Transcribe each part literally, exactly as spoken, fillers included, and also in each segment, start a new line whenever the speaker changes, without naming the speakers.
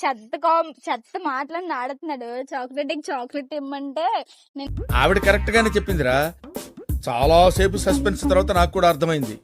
చెత్త కాం చెత్త మాటలను ఆడుతున్నాడు. చాక్లెట్ చాక్లెట్ ఇమ్మంటే నేను
ఆవిడ కరెక్ట్ గానే చెప్పిందిరా. చాలా సేపు సస్పెన్స్ తర్వాత నాకు కూడా అర్థమైంది.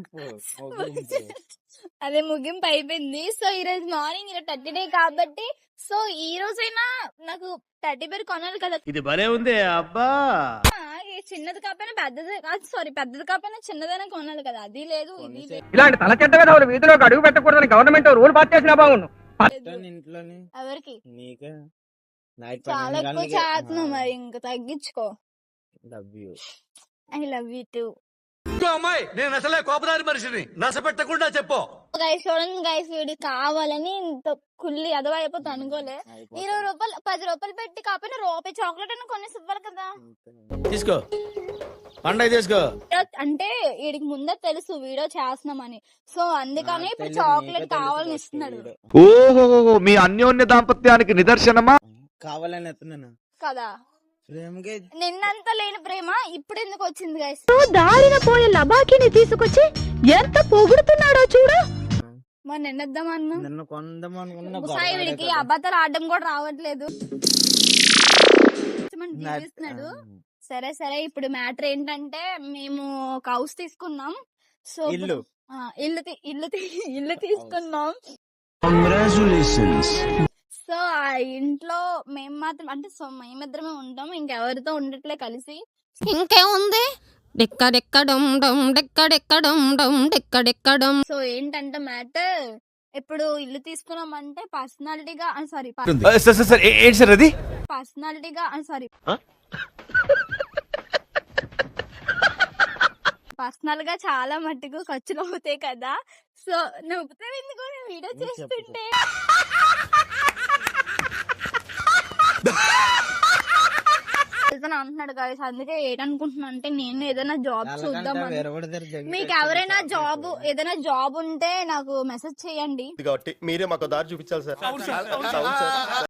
అదే ముగింపు అయిపోయింది. సో ఈ రోజు మార్నింగ్ ఈరోజు థర్టీ డే కాబట్టి సో ఈ రోజైనా నాకు థర్టీ పేరు కొనాలి కదా.
ఇది భలే ఉంది అబ్బా.
ఈ చిన్నది కాకపోయినా పెద్దది కాదు, సారీ పెద్దది కాకపోయినా చిన్నదైనా కొనాలి కదా. అది లేదు ఇది లేదు.
ఇలాంటి తల చెడ్డ విధవులు వీధిలోకి అడుగు పెట్టకూడదని గవర్నమెంట్ రూల్ పాస్ చేసినా బాగుండు.
ఇంట్లోని
ఎవరికి
నీకే నైట్
చాలా ఎక్కువ చేస్తున్నావు, మరి ఇంకా తగ్గించుకో.
Love you.
I love you too.
అమ్మాయి నేను అసలే కోపదారి మనిషిని నసపెట్టకుండా చెప్పు.
గైస్ చూడండి గైస్, వీడి కావాలని ఇంత కుల్లి అదవ అయిపోతా అనుకోలే. ఇరవై రూపాయలు పది రూపాయలు పెట్టి కాకపోయినా రూపాయి చాక్లెట్ అని కొనేసి ఇవ్వాలి కదా.
తీసుకో పండగ తీసుకో.
అంటే వీడికి ముందే తెలుసు వీడియో చేస్తున్నామని, సో అందుకని ఇప్పుడు చాక్లెట్ కావాలని ఇస్తున్నాడు
ఓహో, మీ అన్యోన్య దాంపత్యానికి నిదర్శనమా?
కావాలని ఎత్తున్నాను
కదా.
ప్రేమకే
నిన్నంత లేని ప్రేమ ఇప్పుడు ఎందుకు వచ్చింది గైస్?
దారిన పోయే లబాకిని తీసుకొచ్చి ఎంత పొగుడుతున్నాడో చూడు.
మరి నిన్నద్దామన్నా
నిన్ను కొందాం అనుకున్నా
సాయి వీడికి అబద్ధాలు ఆడడం కూడా రావట్లేదు. జీవిస్తున్నాడు. సరే సరే ఇప్పుడు మ్యాటర్ ఏంటంటే మేము ఒక హౌస్ తీసుకున్నాం. సో
ఇల్లు
ఆ, ఇల్లు తీ- ఇల్లు తీ- ఇల్లు తీసుకున్నాం. సో ఆ ఇంట్లో మేము మాత్రం అంటే సో మేమిద్దరమే ఉంటాం, ఇంకెవరితో ఉండట్లే కలిసి.
ఇంకేముంది డెక్కడెక్కడం డమ్ డెక్కడెక్కడం డమ్ డెక్కడెక్కడం.
సో ఏంటంటే మ్యాటర్ ఇప్పుడు ఇల్లు తీసుకున్నామంటే పర్సనాలిటీగా సారీ
సార్ సార్ సార్ ఏంటి సార్ అది?
పర్సనాలిటీగా సారీ పర్సనల్ గా చాలా మట్టుకు ఖర్చులు అవుతాయి కదా. సో నవ్వుతే ఎందుకు వీడియో చేస్తుంటే వెళ్తాను అంటున్నాడు కదా. అందుకే ఏంటనుకుంటున్నా అంటే నేను ఏదైనా జాబ్ చూద్దాం. మీకు ఎవరైనా జాబ్ ఏదైనా జాబ్ ఉంటే నాకు మెసేజ్ చేయండి.
మీరే మాకు దారి చూపించాలి సార్.